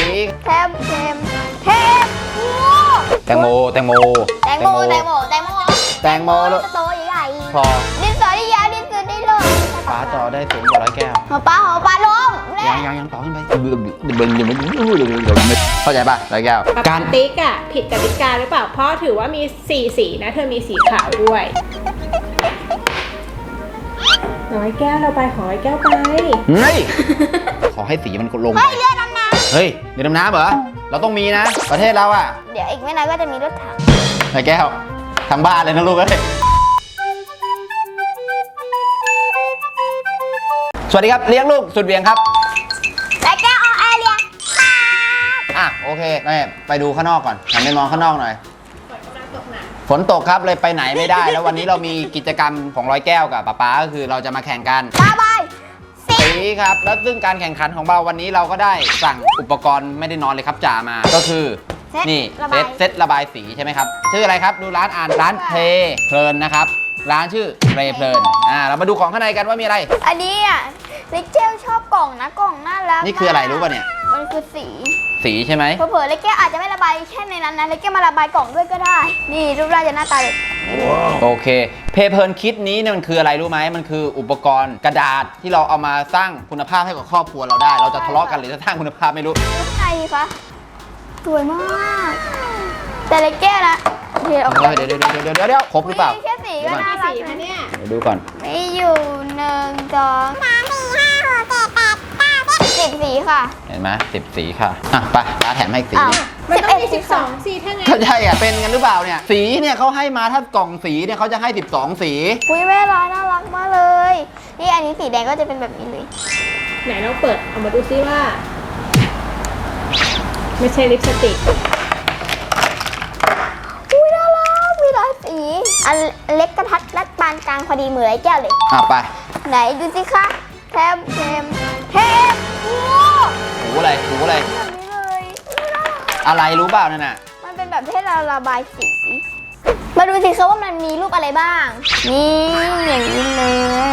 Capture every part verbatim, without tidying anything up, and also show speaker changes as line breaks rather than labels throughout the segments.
เทมเทมเทม
แตงโมแตงโม
แตงโมแตงโมแตงโม
แตงโมแล้ว
โตใหญ่ๆ
พอ
ดินสอที่ยาวดินสอได้เลย
ป้าจอได้สูงกว่าร้อยแก้ว
หัวปลาหัวปลาลง
ยังยังยังต่อขึ้นไปเข้าใจป่ะร้อยแก้ว
การติ๊กอ่ะผิดกติกาหรือเปล่าเพราะถือว่ามีสี่สีนะเธอมีสีขาวด้วยร้อยแก้วเราไปของร้อยแก้วไป
เฮ้ยขอให้สีมันลง
เฮ้ยเรือดำน้
เฮ้ยเรือดำน้ำเหรอเราต้องมีนะประเทศเราอ่ะ
ำเดี๋ยวอีกไม่นานก็จะมีรถถัง
ร้อยแก้วทางบ้านเลยนะลูกเอ้ยสวัสดีครับเลี้ยงลูกสุดเวียงครับ
และแก้วเอาแอร์เรียครับ
อ่ะโอเคนี่ไปดูข้างนอกก่อนหันไปมองข้างนอกหน่อย
ฝนกำลังตกหนัก
ฝนตกครับเลยไปไหนไม่ได้ แล้ววันนี้เรามีกิจกรรมของร้อยแก้วกับป๊าป๊าก็คือเราจะมาแข่งกัน
บายบายสิ
สีครับแล้วซึ่งการแข่งขันของเราวันนี้เราก็ได้สั่งอุปกรณ์ไม่ได้นอนเลยครับจ่ามาก็คือนี่เซตเซตระบายสีใช่ไหมครับชื่ออะไรครับดูร้านอ่านร้านเพลเพลินนะครับร้านชื่อเพลเพลินอ่าเรามาดูของข้างในกันว่ามีอะไร
อันนี้อ่ะเล็กเจลชอบกล่องนะกล่องน่ารัก
นี่คืออะไรรู้ป่ะเนี่ย
มันคือสี
สีใช่ไหม
เผลอๆเล็กแก้วอาจจะไม่ระบายแค่ในนั้นนะเล็กแก้วมาระบายกล่องด้วยก็ได้ นี่รูปร่างจะหน้าตาแบบนี้เลย
โอเคเพลเพลินคิดนี้เนี่ยมันคืออะไรรู้ไหมมันคืออุปกรณ์กระดาษที่เราเอามาสร้างคุณภาพให้กับครอบครัวเราได้ เราจะทะเลาะกันหรือจะสร้างคุณภาพไม่รู้
ข้างในคะสวยมากแต่เล็กแก้วนะเดี๋ยว
เดี๋ยวเดี๋ยวเดี๋ยวเดี๋ยวเดี๋ยวเดี๋ยวครบหรือเปล่า
มีแค่สีก็น่า
มี
รัก
สีคะเนี่ย
เดี๋ยวดูก่อน
มีอยู่หนึ่งสองสามสี่ห้าหกเจ็ดแปดเก้าสิบสีค่ะ
เห็นไหมสิบสีค่ะอ่ะไปร้านแถมให้อีกสี
อ้าว
มันต้องมี
สิ
สิ
บบ เอ็ด
สองสีถ้างั้น
ก็ใช่อ่ะเป็นกันหรือเปล่าเนี่ยสีเนี่ยเขาให้มาถ้ากล่องสีเนี่ยเขาจะให้สิบสองสี
อุ้ยแม่ร้านน่ารักมากเลย นี่อันนี้สีแดงก็จะเป็นแบบนี้เลย
ไหนเราเปิดเอามาดูซิว่า ไม่ใช่ลิปสติก
อุ้ยน่ารักมีหลายสี อันเล็กกระทัดรัดปานกลางพอดีเหมือนไอ้แก้วเลย
อ่ะไป
ไหนดูสิคะเทมเทมเทมโอ้
หูอะไรหูอะไร
แบบนี้เลยอุ๊ยน่ารัก
อะไรรู้เปล่านั่นน่ะ
มันเป็นแบบให้เราระบายสี มาดูสิคะว่ามันมีรูปอะไรบ้าง นี่อย่างนี้เลย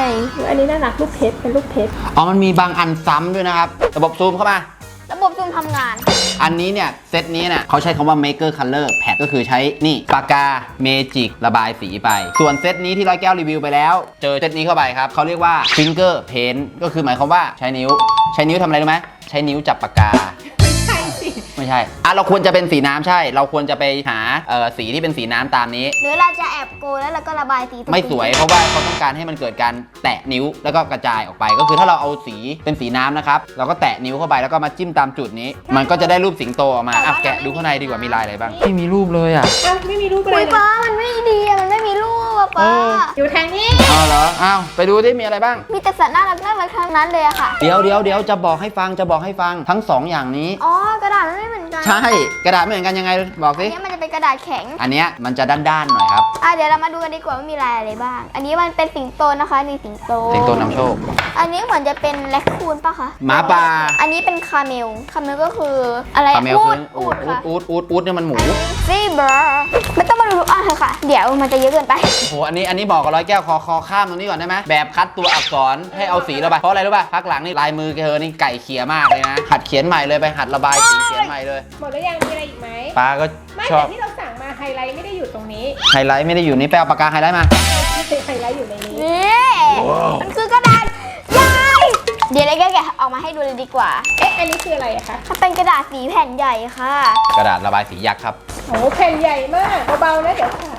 อันนี้น่ารักลูกเพชรเป็นลูกเพชร
อ๋อมันมีบางอันซ้ำด้วยนะครับระบบซูมเข้ามา
ระบบซูมทำงาน
อันนี้เนี่ยเซตนี้เนี่ยเขาใช้คำว่า maker color pad ก็คือใช้นี่ปากกาเมจิกระบายสีไป ส่วนเซตนี้ที่ร้อยแก้วรีวิวไปแล้ว เจอเซตนี้เข้าไปครับเขาเรียกว่า finger paint ก็คือหมายความว่าใช้นิ้ว ใช้นิ้วทำอะไรรู้ไหมใช้นิ้วจับปากกา
ใช่สิ
ไม่ใช่อ่ะเราควรจะเป็นสีน้ำใช่ เราควรจะไปหาเอ่อสีที่เป็นสีน้ำตามนี้
หรือเราจะแอบโกยแล้วเราก็ระบายสีตรง
ไม่สวยเพราะว่าเขาต้องการให้มันเกิดการแตะนิ้วแล้วก็กระจายออกไป ก็คือถ้าเราเอาสีเป็นสีน้ำนะครับเราก็แตะนิ้วเข้าไปแล้วก็มาจิ้มตามจุดนี้ มันก็จะได้รูปสิงโตออกมาอ่ะแกะดูข้างในดีกว่ามีลายอะไรบ้างไม่มีรูปเลยอ่ะ
อ้าวไม่มีรูปอะไร
อุ้ย
เลย
ป้ามันไม่ดีอะมันไม่มีรูปอะป้า
เออ
อยู่ทางนี้
เอาเหรออ้าวไปดูที่มีอะไรบ้าง
มีแต่สัตว์น่ารักน่ารักทั้งนั้นเลยอะค่ะ
เดี๋ยวเดี๋ยวเดี๋ยวจะบอกให้ฟังจะบอกให้ฟังทั้งสองอย่างนี้
อ๋อกระดาษมันไม่เหมือนกัน
ใช่กระดาษไม่เหมือนกันยังไงบอก
อัน
สิ
นี้มันจะเป็นกระดาษแข็ง
อันเนี้ยมันจะด้านๆหน่อยครับ
อ่ะเดี๋ยวเรามาดูกันดีกว่าว่ามีลายอะไรบ้าง อันนี้มันเป็นสิงโตนะคะนี่สิงโต
สิงโตนำโชค
อันนี้เหมือนจะเป็นแรคคูนปะคะ
หมาป่า
อันนี้เป็นคาเมล คาเมลก็คืออะไร
คาเมลคือ
อู
อู
ด
ด
ค่ะ
อูดอูดอูดเนี่ยมันหมู
อันนี้ซีบราไม่ต้องมาดูทุกอันเลยค่ะ เดี๋ยวมันจะเยอะเกินไป
โอ้โห อันนี้ อันนี้บอกกับร้อยแก้วคอคอข้ามตรงนี้ก่อนได้ไหม แบบคัดตัวอักษรให้เอาสีระบาย เพราะอะไรรู้ป่ะ พักหลังนี่ลายมือแกเธอนี่ไก่เขียมากเลยนะ หัดเขียนใหม่เลยไปหัดระบายสีเขียนใหม่เลย
หมดแล้วยังมีอะไรอีกไหม
ป้าก็
ไม่
ชอ
แต่
บ
ที่เราสั่งมาไฮไลท์ไม่ได้อยู่ตรงนี้
ไฮไลท์ไม่ได้อยู่นี่แปลปากกาไฮไลท์มา
ไฮไลท์อยู่ในนี้
นี่มันคือกระดาษใหญ่เดี๋ยวเลยแกะออกมาให้ดูเลยดีกว่า
เอ๊ะอันนี้คืออะไรอะคะ
มันเป็นกระดาษสีแผ่นใหญ่ค่ะ
กระดาษระบายสียักษ์ครับ
โอ้แผ่นใหญ่มากเบาๆนะเดี๋ยวค่ะ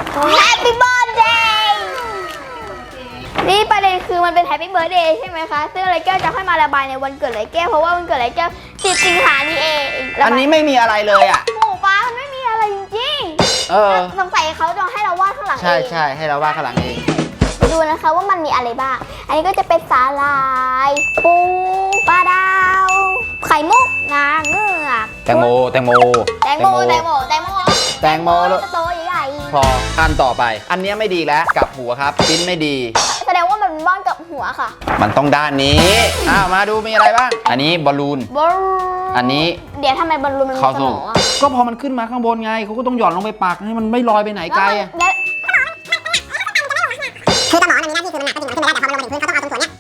Happy Birthday นี่ประเด็นคือมันเป็น Happy Birthday ใช่ไหมคะ ซึ่งไรแก้วจะค่อยมาระบายในวันเกิดไรแก้วเพราะว่าวันเกิดไรแก้วสิบสิงหานี่เองระบาย
อันนี้ไม่มีอะไรเลยอ่ะ
หมูป้ามันไม่มีอะไรจริง
เออ
ๆสงสัยเขาจะให้เราวาดข้างหลังเอง
ใช่ใช่ให้เราวาดข้างหลังเอง
ดูนะคะว่ามันมีอะไรบ้าง อันนี้ก็จะเป็นสาลาย ปูปลาดาว ไข่มุกนางเงือก
แตงโม แตงโม
แตงโมแตงโมแตงโม
แตงโมแล้ว
โตใหญ่
พออันต่อไป อันเนี้ยไม่ดีแล้วกลับหัวครับปิ้นไม่ดี
ๆแสดงว่ามันเป็นบ้านกับหัวค่ะ
มันต้องด้านนี้ อ้าวมาดูมีอะไรบ้าง อันนี้บอลลูน
บอล
อันนี้
เดี๋ยวทำไมบอลลูนมันมี
คอ
ส
สู
มองอะ
ก็พอมันขึ้นมาข้างบนไงเขาก็ต้องหย่อนลงไปปักให้มันไม่ลอยไปไหนไกลอะ
แล้ว
คือสมองมันมีหน้าที่คือมันหนักก็จริงมันขึ้นไปแล้วแต่พอมันลงมาถึงพื้นเขาต้องเอาตรงส่วนเนี้ยปักไว้ตรงนี้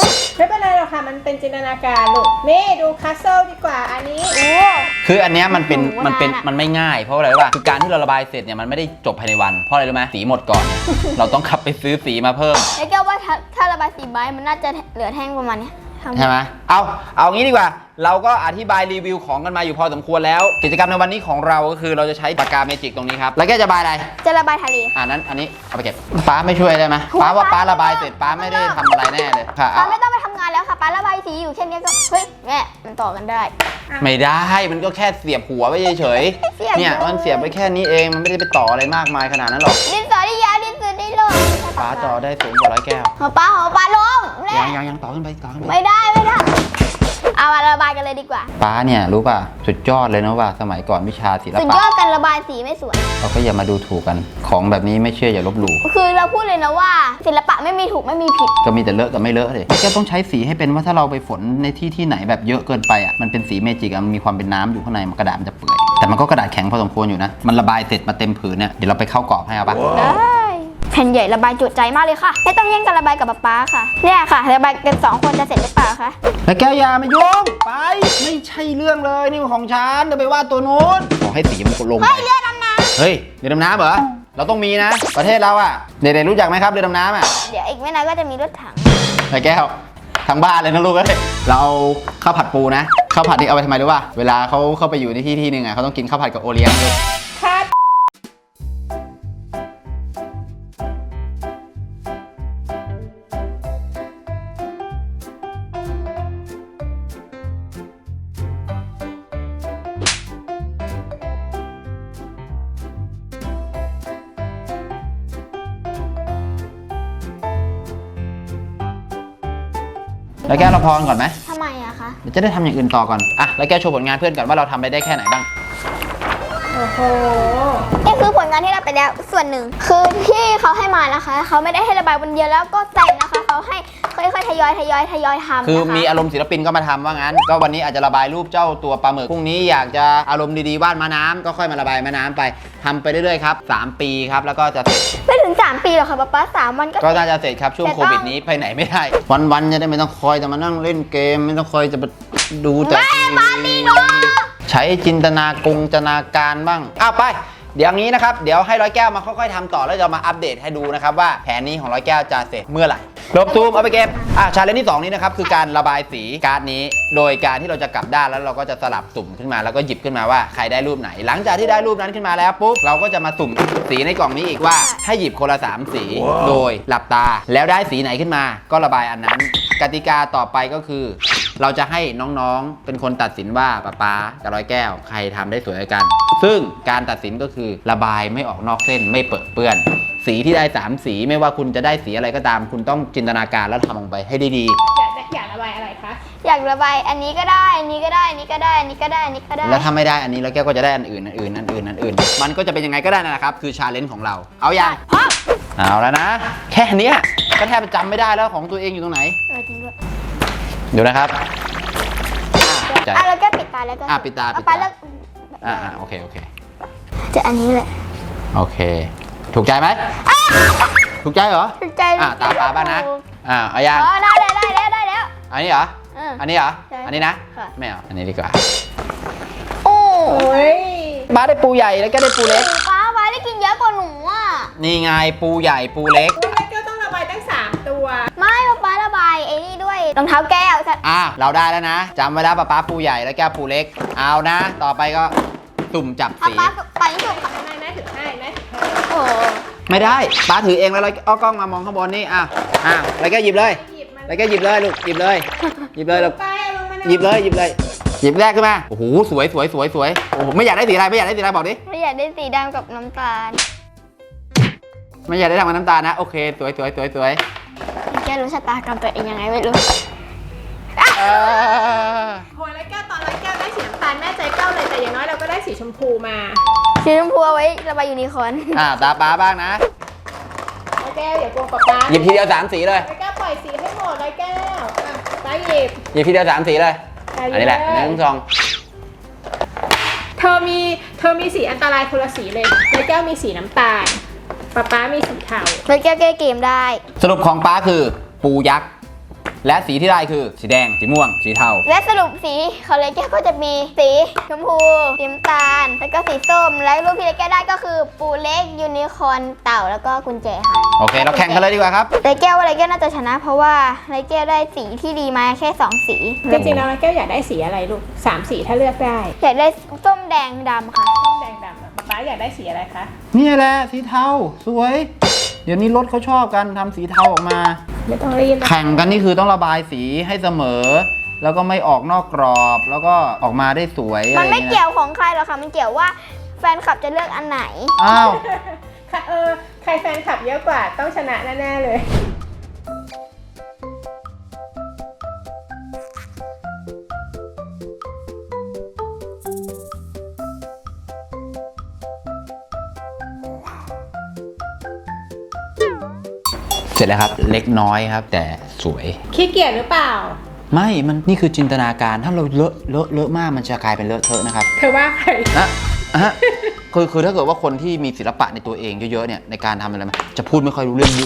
ไม่เป็นไรหรอกค่ะมันเป็นจินตนาการลูกนี่ดูคัสเซิลดีกว่าอันนี้
โอ้
คืออันเนี้ยมันเป็น
โอ้โห
มันเป็น
นานอะ
มันไม่ง่ายเพราะอะไรรู้ป่ะคือการที่เราระบายเสร็จเนี่ยมันไม่ได้จบภายในวันเพราะอะไรรู้ไหมสีหมดก่อน เราต้องขับไปซื้อสีมาเพิ่ม
แล้วแก้วว่าถ้าถ้าระบายสีใบมันน่าจะเหลือแท่งประมาณเนี้ยทำ
ใช่ไหมเอาเอางี้ดีกว่า เราก็อธิบายรีวิวของกันมาอยู่พอสมควรแล้ว กิจกรรมในวันนี้ของเราก็คือเราจะใช้ปากกาเมจิกตรงนี้ครับแล้วแกจะระบายอะไร
จะระบายทะเล
อ่านั้นอันนี้เอาไปเก็บป้าไม่ช่วยได้ไหมป้าว่าป้าระบายเสร็จป้าไม่ได้ทำอะไรแน่เลยค่ะ
ป้า
เอา
ไม่ต้องไปทำงานแล้วค่ะป้าระบายสีอยู่แค่เนี้ยก็เฮ้ยแม่มันต่อกันได้
ไม่ได้มันก็แค่เสียบหัวไว้เฉย
เสียบ
ๆเนี่ยมันเสียบไปแค่นี้เองมันไม่ได้ไปต่ออะไรมากมายขนาดนั้นหรอก
ดินสอที่ยาวดินสอที่ลง
ป้าต่อได้สูงกว่าร้อยแก้ว
หัวป้าหัวป้าลงแม่
ยังยังยังต่อขึ้นไปต่อขึ้นไป
ไม่ได้ไม่ได้เอามาระบายกันเลยดีกว่า
ป้าเนี่ยรู้ป่ะสุดยอดเลยนะว่าสมัยก่อนวิชาศิล
สุด
ปะ
ยอดการระบายสีไม่สวย
เราก็อย่ามาดูถูกกันของแบบนี้ไม่เชื่ออย่าลบหลู่
คือเราพูดเลยนะว่าศิลปะไม่มีถูกไม่มีผิด
ก็มีแต่เลอะกับไม่เลอะเลยแกต้องใช้สีให้เป็นว่าถ้าเราไปฝนในที่ที่ไหนแบบเยอะเกินไปอ่ะมันเป็นสีเมจิกอะมันมีความเป็นน้ำอยู่ข้างในมันกระดาษมันจะเปื่อยแต่มันก็กระดาษแข็งพอสมควรอยู่นะมันระบายเสร็จมาเต็มผืนเนี่ยเดี๋ยวเราไปเข้ากรอบให้เอาปะ
ได้แผ่นใหญ่ระบายจุใจมากเลยค่ะไม่ต้องแย่งกันระบายกับป๊าป๊าค่ะเนี่ยค่ะระบายกันสองคนจะเสร็จหรือเปล่าคะ
แล้วแก้วยามายุ่งไปไม่ใช่เรื่องเลยนี่มันของฉันเดี๋ยวไปวาดตัวนู้นขอให้สีมันลงไป
เฮ้ยเรือดำน้
เฮ้ยเรือดำน้ำเหรอเราต้องมีนะ ประเทศเราอ่ะเด็กๆรู้จักไหมครับเรือดำน้ำอ่ะ
ำเดี๋ยวอีกไม่นานก็จะมีรถถัง
ไอ้แก้วทางบ้านเลยนะลูกเอ้ยเราเอาข้าวผัดปูนะข้าวผัดนี่เอาไปทำไมรู้ป่ะเวลาเขาเข้าไปอยู่ในที่ที่หนึ่งอ่ะเขาต้องกินข้าวผัดกับโอเลี้ยงด้วย
คัด
แล้วแก้วเราพรก่อนไหม
ทำไมอะคะ
เดี๋ยวจะได้ทำอย่างอื่นต่อก่อนอ่ะแล้วแก้วโชว์ผลงานเพื่อนก่อนว่าเราทำไปได้แค่ไหนบ้าง
โอ้โห
นี่คือผลงานที่เราไปแล้วส่วนหนึ่งคือที่เขาให้มานะคะเขาไม่ได้ให้ระบายวันเดียวแล้วก็แต่งนะคะเขาให้ค่อยๆทยอยทยอยทยอยทำ
คือ
นะคะ
มีอารมณ์ศิลปินก็มาทำว่างั้น ก็วันนี้อาจจะระบายรูปเจ้าตัวปลาหมึกพรุ่งนี้อยากจะอารมณ์ดีๆวาดม้าน้ำก็ค่อยมาระบายม้าน้ำไปทำไปเรื่อยๆครับสามปีครับแล้วก็จะเสร็จ
ไม่ถึงสามปีหรอกค่ะป๊าป๊าสามวันก็
ก็น่าจะเสร็จครับช่วง
แต่
โค
ต้อง
วิดนี้ไปไหนไม่ได้ วันๆจะได้ไม่ต้องคอยแต่มานั่งเล่นเกม ไม่ต้องคอยจะมาดูแต่
แม่ปาร์ตี้โน
ใช้จินตนากงจินตนาการบ้างอ้าวไป เดี๋ยวงี้นะครับเดี๋ยวให้ร้อยแก้วมาค่อยๆทำต่อแล้วจะมาอัปเดตให้ดูนะครับว่าแผนนี้ของร้อยแก้วจะเสร็จเมื่อไหร่ลบซูมเอาไปเก็บอ่ะชาเลนจ์ที่สองนี้นะครับคือการระบายสีการ์ดนี้ โดยการที่เราจะกลับด้านแล้วเราก็จะสลับสุ่มขึ้นมาแล้วก็หยิบขึ้นมาว่าใครได้รูปไหน หลังจากที่ได้รูปนั้นขึ้นมาแล้วปุ๊บเราก็จะมาสุ่มสีในกล่องนี้อีกว่าให้หยิบคนละสามสี โดยหลับตาแล้วได้สีไหนขึ้นมา ก็ระบายอันนั้น กติกาต่อไปก็คือ เราจะให้น้องๆเป็นคนตัดสินว่าป๊าป๊ากับร้อยแก้วใครทำได้สวยกว่ากัน ซึ่งการตัดสินก็คือระบายไม่ออกนอกเส้นไม่เปื้อนเปื้อน สีที่ได้สามสีไม่ว่าคุณจะได้สีอะไรก็ตาม คุณต้องจินตนาการแล้วทำลงไปให้ได้ดี
อยากได้อยากระบายอะไรคะ
อยากระบายอันนี้ก็ได้อันนี้ก็ได้อันนี้ก็ได้อันนี้ก็ได้อันนี้ก็ได้
แล้วถ้าไม่ได้อันนี้แล้วแก้วก็จะได้อันอื่นอันอื่นอันอื่นอันอื่น มันก็จะเป็นยังไงก็ได้นั่นแหละครับคือชาเลนจ์ของเราเอาอย่าง
พร้อม
เอาแล้วนะ แค่เนี้ยก็แทบจะจำไม่ได้แล้วของตัวเองอยู่ตรงไหน
เออจริงด้วย
ดูนะครับอ่ะใจ
อ่ะแล้วก็ปิดตาแล้วก็
อ่ะปิดตาปิดตา
ป๊าแล้ว
อ่าอ่าโอเคโอเค
จะอันนี้แหละ
โอเค ถูกใจไหมถูกใจเหรอ
ถูกใจ
อ่าตามปลาบ้างนะ อ่าเอายัง
อ๋อได้แล้วได้แล้วได้แล้ว
อันนี้เหรอ
เออ
อันนี้เหรอ
ใช่
อันนี้นะ
ค่ะ
ไม่เอา อันนี้ดีกว่า
โอ้
โอ้ย
บ้าได้ปูใหญ่แล้วก็ได้ปูเล็ก
ป้าป้าได้กินเยอะกว่าหนูอ่ะ
นี่ไงปูใหญ่ปูเล็ก
อุ๊ยแล้วแก้วต้องระบายตั้งสามตัว
ไม่ป้าป้าระบายไอ้นี่ด้วยรองเท้าแก้วจะ
อ่าเราได้แล้วนะจำไว้แล้วป้าป้าปูใหญ่แล้วแก้วปูเล็ก เอานะ ต่อไปก็สุ่มจับ
ป้า
สี
ป้าไปที่สุดค่ะ
แม่แม่ถือให้แม่ถือให้
โอ้
ไม่ได้ป้าถือเองแล้วเราเอากล้องมามองข้างบนนี่ อ่ะอ่ะแล้วแกหยิบเลย
หยิบมัน
แล้วแกหยิบเลยลูก หยิบเลย หยิบเลยลูก
ไปเอาลงมา
หยิบเลย หยิบเลย หยิบแรกขึ้นมา โอ้โห สวยสวยสวยสวยโอ้โห ไม่อยากได้สีอะไร ไม่อยากได้สีอะไรบอกดิ
ไม่อยากได้สีดำกับน้ำตาล
ไม่อยากได้ทำกับน้ำตาลนะ โอเค สวยสวยสวยสวย
แกรู้ชะตากรรมตัวเองยังไงไม่รู้
เออ
โหแล้วแก้วตอนร้อยแก้วได้สีน้ำตาลแม่ใจแก้วเลยแต่อย่างน้อยเราก็ได้สีชมพูมา
สีชมพูเอาไว้ระบายยูนิคอร์น
อ่าตาป้าบ้างนะ
ร้อยแก้วอย่าโกงป๊าป๊า
หยิบทีเดียวสามสีเลย
ร้อยแก้วปล่อยสีให้หมดร้อยแก้วอ่ะป้าหยิบ
หยิบทีเดียวสามสีเลย
ไป
อันนี้แหละ
เย
หนึ่งสอง
เธอมีเธอมีสีอันตรายคนละสีเลยร้อยแก้วมีสีน้ำตาลป๊าป๊ามีสีเทา
แล้วแก้วแก้เกมได้
สรุปของป้าคือปูยักษ์และสีที่ได้คือสีแดงสีม่วงสีเทา
และสรุปสีของเลยแก้วก็จะมีสีชมพูสีน้ำตาล แล้วก็สีส้ม และรูปที่เลยแก้วได้ก็คือปูเล็กยูนิคอร์นเต่าแล้วก็กุญแจค่ะ
โอเคเราแข่งกันเลยดีกว่าครับ
เลยแก้วว่าเลยแก้วน่าจะชนะ เพราะว่าเลยแก้วได้สีที่ดีมาแค่สองสี
จริงๆแล้วแก้วอยากได้สีอะไรลูกสามสีถ้าเลือกได้
อยากได้ส้มแดงดำค่ะ
ส้มแดงดำอะป๊าป๊าอยากได้สีอะไรคะ
นี่แหละสีเทาสวย เดี๋ยวนี้รถเขาชอบกันทำสีเทาออกมา
ไม่ต้องรีบนะ
แข่งกันนี่คือต้องระบายสีให้เสมอ แล้วก็ไม่ออกนอกกรอบ แล้วก็ออกมาได้สวยอะไร
มัน
อย่าง
ไม่
เงี้ย
เกี่ยวของใครหรอกค่ะ มันเกี่ยวว่าแฟนคลับจะเลือกอันไหน
อ้าว
ค่ะเออใครแฟนคลับเยอะกว่าต้องชนะแน่ๆเลย
เสร็จแล้วครับเล็กน้อยครับ แต่สวย
ขี้เกียจหรือเปล่า
ไม่มันนี่คือจินตนาการถ้าเราเลอะเลอะเลอะมากมันจะกลายเป็นเลอะเทอะนะครับ
เธอว่าใคร
นะฮะคือคือถ้าเกิดว่าคนที่มีศิลปะในตัวเองเยอะๆเนี่ยในการทำอะไรมันจะพูดไม่ค่อยรู้เรื่อง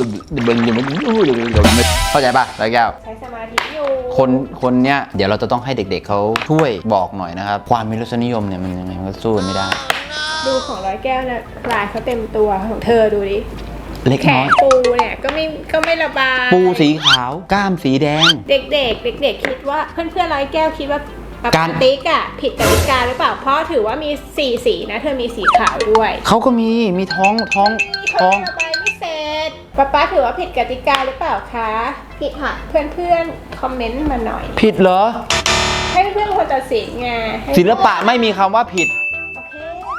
เข้าใจป่ะร้อยแก้ว
ใช้สมาธิอยู่
คนคนเนี้ยเดี๋ยวเราจะต้องให้เด็กๆเขาช่วยบอกหน่อยนะครับ ความมีรสนิยมเนี่ยมันยังไงมันก็สู้กันไม่ได้
ดูของร้อยแก้วนะลายเขาเต็มตัวของเธอดูดิ
เล็ก
แข
น้อน ย
ปูเนี่ยก็ไม่ก็ไม่ระบาย
ปูสีขาวกล้ามสีแดง
เด็กๆ เด็กๆ คิดว่าเพื่อนๆร้อยแก้วคิดว่าป
การ
าติ๊กอะผิดกติกาหรือเปล่า เพราะถือว่ามีสี่สีนะ เธอมีสีขาวด้วย
เขาก็มีมีท้องท้อง
เขา
ท้อง
ระบายไม่เสร็จป๊าป๊าถือว่าผิดกติกาหรือเปล่าคะ
ผิดค่ะ
เพื่อนๆ คอมเมนต์มาหน่อย
ผิดเหรอ
ให้เพื่อนๆคนตัดสินไงให้
ศิลปะไม่มีคำว่าผิด
โอเค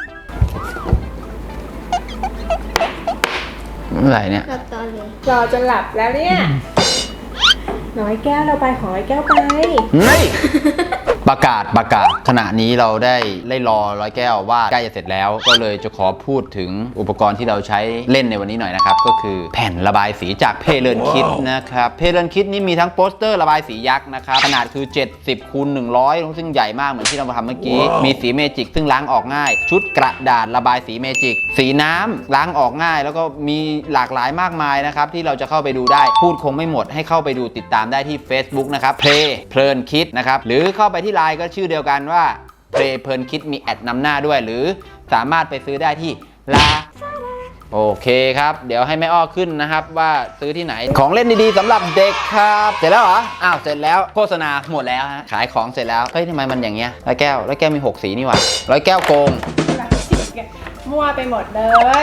อะไรเนี่ย
รับตอนเลย
รอจนหลับแล้วเนี่ยร้อยแก้วเราไปของร้อยแก้วไป
เฮ้ย ประกาศประกาศขณะนี้เราได้ได้รอร้อยแก้วว่าใกล้จะเสร็จแล้ว ก็เลยจะขอพูดถึงอุปกรณ์ที่เราใช้เล่นในวันนี้หน่อยนะครับ ก็คือแผ่นระบายสีจากเพเลินคิดนะครับเพเลินคิดนี่มีทั้งโปสเตอร์ระบายสียักษ์นะครับขนาดคือเจ็ดสิบคูณหนึ่งร้อยซึ่งใหญ่มากเหมือนที่เราทำเมื่อกี้ มีสีเมจิกซึ่งล้างออกง่าย ชุดกระดาษระบายสีเมจิก สีน้ำล้างออกง่าย แล้วก็มีหลากหลายมากมายนะครับที่เราจะเข้าไปดูได้พูดคงไม่หมดให้เข้าไปดูติดตามได้ที่ Facebook นะครับเพลเพลินคิดนะครับหรือเข้าไปที่ไลน์ก็ชื่อเดียวกันว่าเพลเพลินคิดมีแอดนำหน้าด้วยหรือสามารถไปซื้อได้ที่ลาโอเคครับเดี๋ยวให้แม่อ้อขึ้นนะครับว่าซื้อที่ไหนของเล่นดีๆสำหรับเด็กครับเสร็จแล้วเหรออ้าวเสร็จแล้วโฆษณาหมดแล้วฮะขายของเสร็จแล้วเฮ้ยทำไมมันอย่างเงี้ยร้อยแก้วร้อยแก้วมีหกสีนี่หว่าร้อยแก้วโกง
มั่วไปหมดเลย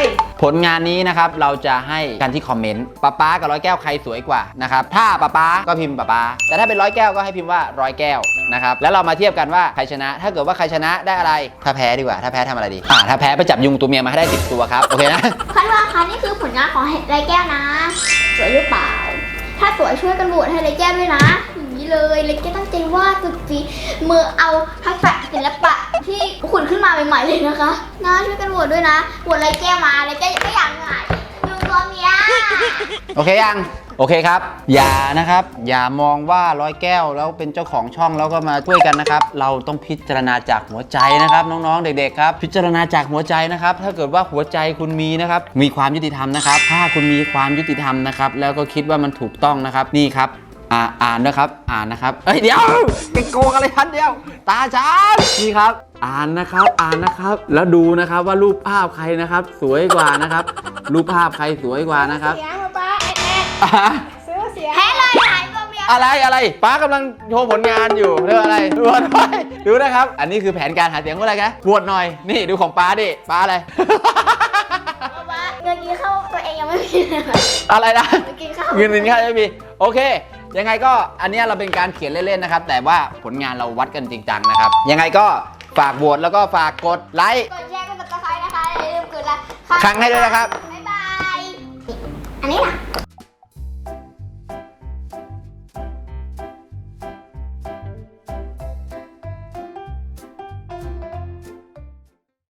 ผลงานนี้นะครับเราจะให้กันที่คอมเมนต์ป๊าป๊ากับร้อยแก้วใครสวยกว่านะครับถ้าป๊าป๊าก็พิมพ์ป๊าป๊าแต่ถ้าเป็นร้อยแก้วก็ให้พิมพ์ว่าร้อยแก้วนะครับแล้วเรามาเทียบกันว่าใครชนะ ถ้าเกิดว่าใครชนะได้อะไรถ้าแพ้ดีกว่าถ้าแพ้ทำอะไรดีอ่าถ้าแพ้ไปจับยุงตัวเมียมาให้ได้สิบตัวครับโอเคนะ
คันว่าคะนี่คือผลงานของไรแก้วนะ สวยหรือเปล่า ถ้าสวยช่วยกันโหวตให้ไรแก้วด้วยนะอย่างนี้เลยไรแก้วตั้งใจวาดสุดฝีมือเอาทักษะศิลปะที่ขุดขึ้นมาใหม่ๆเลยนะคะนะช่วยกันโหวตด้วยนะโหวตไรแก้วมาไรแก้วก็อยากหายยุงตัวเมีย
โอเคยังโอเคครับอย่านะครับอย่ามองว่าร้อยแก้วแล้วเป็นเจ้าของช่องแล้วก็มาช่วยกันนะครับเราต้องพิจารณาจากหัวใจนะครับน้องๆเด็กๆครับพิจารณาจากหัวใจนะครับถ้าเกิดว่าหัวใจคุณมีนะครับมีความยุติธรรมนะครับถ้าคุณมีความยุติธรรมนะครับแล้วก็คิดว่ามันถูกต้องนะครับนี่ครับอ่าอ่านนะครับอ่านนะครับเอ้ยเดี๋ยวไปโกงอะไรทันเดียวตาฉันนี่ครับอ่านนะครับอ่านนะครับแล้วดูนะครับว่ารูปภาพใครนะครับสวยกว่านะครับรูปภาพใครสวยกว่านะครับ
เสียงป๊าป๊าแอดแอด
อ่ะ
ซื้อเสียง
แพ้เลยหายตัวเมีย
อะไรอะไรป้ากำลังโชว์ผลงานอยู่เรื่องอะไรดูหน่อยดูนะครับ อันนี้คือแผนการหาเสียงว่าอะไรกันบวชหน่อยนี่ดูของป้าดิป้าอะไร
ว่าเงินกินข้าวตัวเองยังไม่มีเลยค่ะ
อะไรนะ
เงินกินข้าว
เงินกินข้าวไม่มีโอเค ยังไงก็อันเนี้ยเราเป็นการเขียนเล่นๆนะครับ แต่ว่าผลงานเราวัดกันจริงจังนะครับ ยังไงก็ฝากโหวตแล้วก็ฝากกดไลค์
กดแชร์กดติดตามนะคะอย่าลืมกดไลค์
ครั้งให้ด้วยนะครับ
บ๊ายบาย อันนี้นะ